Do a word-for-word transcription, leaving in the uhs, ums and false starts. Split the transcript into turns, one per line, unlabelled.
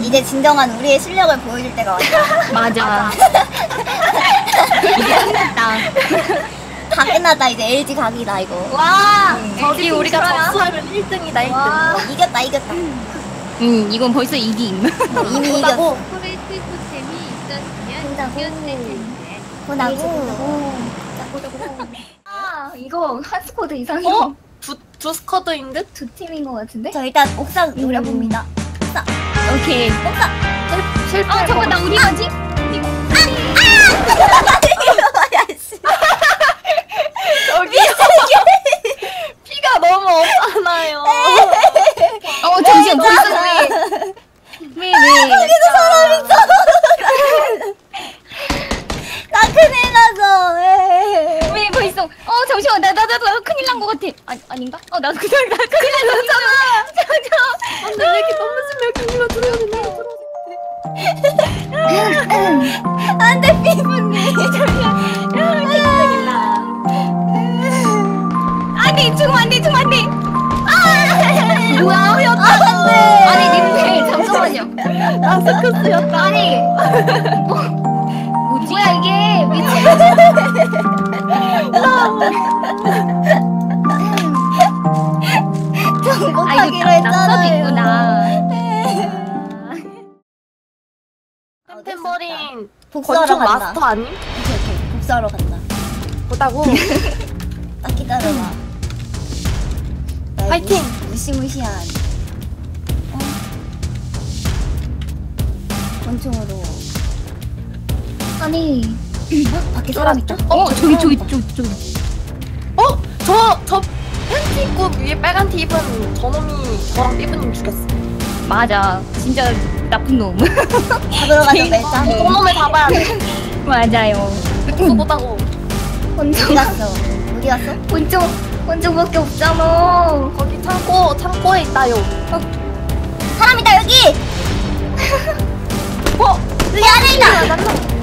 이제 진정한 우리의 실력을 보여줄 때가 왔다.
맞아. 이제 끝났다.
다 끝났다. 이제 엘지 각이다 이거.
와,
응.
저기 우리가 접수하면
일 등이다 일 등.
와, 이겼다 이겼다.
응, 이건 벌써 이김.
어, 이미 이겼어.
코레트 토템이 있었으면
혼자고.
이겼을 텐데.
보나고.
아 이거 한 스쿼드 이상이
어? 두, 두 스쿼드인 듯?
두 팀인 것 같은데?
저 일단 옥상 노려봅니다. 옥상.
오케이.
옥상.
실패.
어, 잠깐, 나 우리 가지?
야씨.
저기 피가 너무 없잖아요.
어, 잠시만, 벌써 왜? 왜, 왜?
여기도 사람 있어. 나 큰일 났어. 왜?
왜 벌써? 어, 잠시만, 나, 나, 나, 나 큰일 난 것 같아. 아, 아닌가? 어, 나도 그냥, 나 큰일 났잖아. 잠시만.
안돼 왜 이렇게 너무 심각한 거 들어야 되나?
안돼 피부님.
큰일 나. 안 돼, 죽으면 안 돼, 죽으면 안 돼. 아! 뭐야?
안돼.
아니, 님들, 잠깐만요.
나 스커스였다.
아니, 뭐, 뭐지? 뭐야, 이게. 미친.
정복하기로
아, 이거 낙서도
했잖아요.
있구나.
템템버린
복수하러
권총
간다.
마스터 아님?
오케이 오케이. 복수하러 간다.
보다고.
딱 기다려봐. 나의
파이팅!
무시, 무시무시한 어? 권총으로.
아니
어? 밖에 사람 있다?
어, 저기, 저기, 저기, 저기.
어? 저, 저 팬티 입고 위에 빨간 티 입은 저놈이 저랑 삐부님 죽였어.
맞아. 진짜 나쁜 놈.
잡으러 가자 멜짱.
저놈을 잡아야 돼.
맞아요.
그거보다고.
어디
권총,
갔어? 어디 갔어?
권총, 권총밖에 없잖아. 거기 창고, 창고에 있다요.
사람 있다 여기!
어?
여기 안에 있다!